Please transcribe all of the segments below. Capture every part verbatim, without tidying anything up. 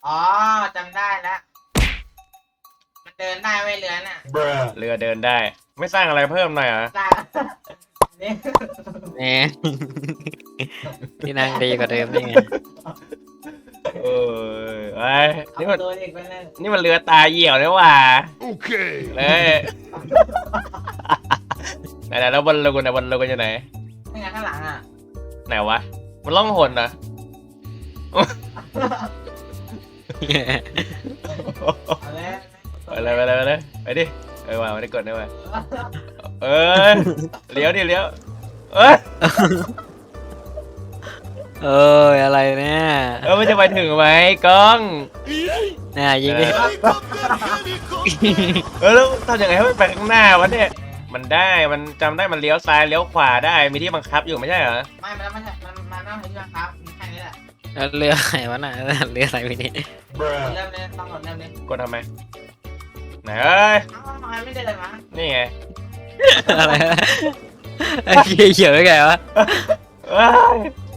อ๋อจำได้แล้วมันเดินได้ไว้เรือน่ะเรือเดินได้ ไม่สร้างอะไรเพิ่มหน่อยเหรอได้นี่แหม ที่นั่งดีกว่าเดิมนี่ไงเออไอ้ยนี่เอามันตัวเด็กไปเลยนี่มันเรือตาเหี่ยวนี่หว่าเลยไหนๆแล้วบอลลูนนะบอลลูนอยู่ไหนนี่ไงข้างหลังอ่ะไหนวะ มันล่องหนนะเอาเลยไปเลยไปเลยไปเลยไปดิเออว่าไม่ได้กดนะว่าเออเลี้ยวดิเลี้ยวเอ้ยเอออะไรเนี่ยเออมันจะไปถึงไหมกล้องน่ายิงดิเออแล้วทำยังไงให้มันไปข้างหน้าวะเนี่ยมันได้มันจำได้มันเลี้ยวซ้ายเลี้ยวขวาได้มีที่บังคับอยู่ไม่ใช่เหรอไม่มันไม่ใช่มันมันไม่ใช่เรือครับมีแค่นี้แหละแล้วเรือไหนวะน่ะเรืออะไรไปนี่เริ่มเลยต้องกดเริ่มเลยกดทำไมไหนเอ้ยเอ้าทำไมไม่เดินมานี่ไงอะไรนะไอ้เหี้ยเขียวไงวะเอ้ย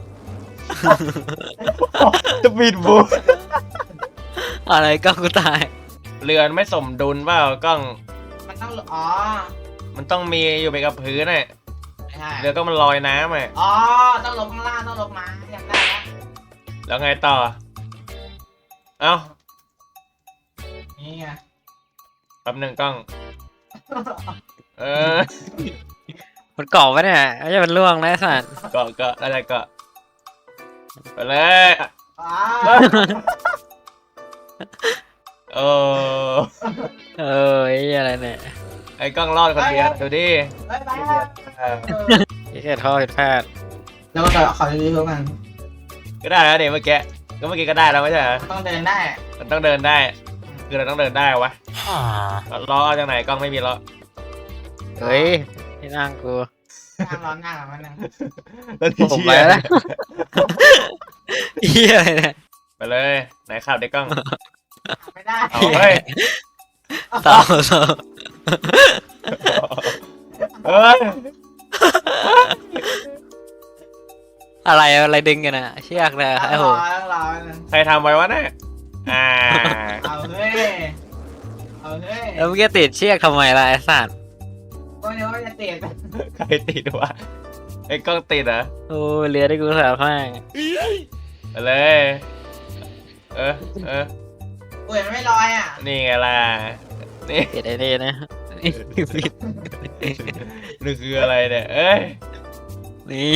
จะบิดบูอะไรก็กูตายเรือนไม่สมดุลเปล่ากล้องมันต้องอ๋อมันต้องมีอยู่ไปกับพื้นน่ะไม่ใช่เรือก็มันลอยน้ำอ่ะอ๋อต้องลงข้างล่างต้องลงมาจำได้แล้วแล้วไงต่อเอ้านี่ไงแป๊บหนึ่งกล้อง เออมันเกาะปะเนี่ยไม่ใช่มันล่วงนะไอ้สัตว์เกาะเกาะอะไรเกาะไปเลยอ๋อเออเออไอ้เหี้ยอะไรเนี่ยไอ้กล้องรอดคนเดียวดูดิไปไปครับเออไอ้แค่ท่อผิดพลาดแล้วก็ขอรีวิวกันก็ได้แล้วเดี๋ยวเมื่อกี้ก็เมื่อกี้ก็ได้แล้วไม่ใช่เหรอต้องเดินได้มันต้องเดินได้ คือเราต้องเดินได้วะล้อเอาจากไหนกล้องไม่มีล้อเฮ้ยที่นั่งกูนั่งร้อนนั่งมันนึงแล้วที่ผมเชีไปยร์แล้วเหี้ยอะไรเนี่ยไปเลยไหนขับได้กล้องไม่ได้เอาเฮ้ยต่อต่อเฮ้ยอะไรอะไรดึงกันอะเชือกเลยต้องไอ้รโหอต้องรอใครทำไว้วะเนี่ยอ่าเอาเฮ้ยเอาเฮ้ยแล้วเมื่อกี้ติดเชือกทำไมล่ะไอ้สัตว์ก็เดี๋ยวจะติดใครติดวะไอ้กล้องติดเหรอโอ้ยเรือที่กูสาวข้างไปเลยเออเออกูเห็นไม่ลอยอ่ะนี่ไงล่ะนี่ติดไอ้นี่นะนี่ปิดนี่คืออะไรเนี่ยเอ้ยนี่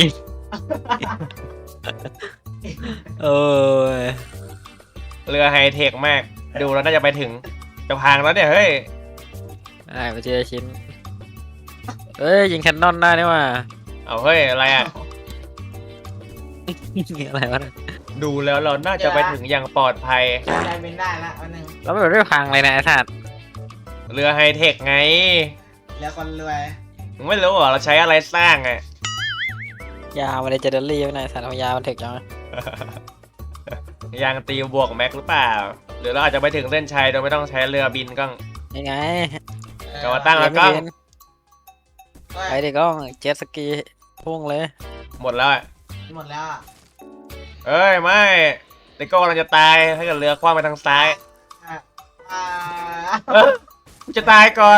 โอ้ยเรือไฮเทคมากดูแล้วน่าจะไปถึงจะพังแล้วเนี่ยเฮ้ยได้ไปเจอชิ้นเอ้ยยิงแคนนอนได้นี่ว่าเอาเฮ้ยอะไรอ่ะอะไรวะเนี่ยดูแล้วเราน่าจะไปถึงอย่างปลอดภัยได้เป็นได้ละวันหนึ่งแล้วมันไม่พังเลยนะไอ้สัตว์เรือไฮเทคไงแล้วคนรวยมึงไม่รู้เหรอเราใช้อะไรสร้างอ่ะยาวมาเลยเจเดอรี่ไว้หน่อยสัตว์เอายาวมันถึกจังวะยางตีบวกแม็กหรือเปล่า หรือเราอาจจะไปถึงเส้นชัยโดยไม่ต้องใช้เรือบินก็ยังไงกลับมาตั้งแล้วก็เรียนไม่เรียนไปดิกล้องเจ็ตสกีพุ่งเลยหมดแล้วอะหมดแล้วอ่ะเอ้ยไม่ไอ้โก้กำลังจะตายถ้าเกิดเรือคว้างไปทางซ้ายอ่าเอ้ยกูจะตายก่อน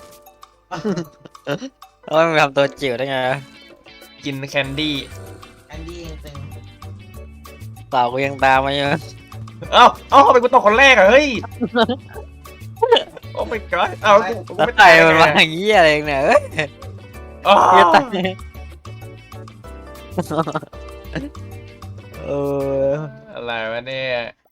โอ้ยมึงทำตัวจิ๋วได้ไงวะกินแคนดี้อันดี้ตึงเปล่ากูยังตามมาอยู่เอ้าเอ้าทำไมกูตกคนแรกอะเฮ้ยโอ้ my god เอ้ากูกูแล้วไม่ไต่ตายมันมาไงอย่างนี้อะไรเนี่ยเอ้ยอ๋อเหี้ยตายเอออะไรวะเนี่ย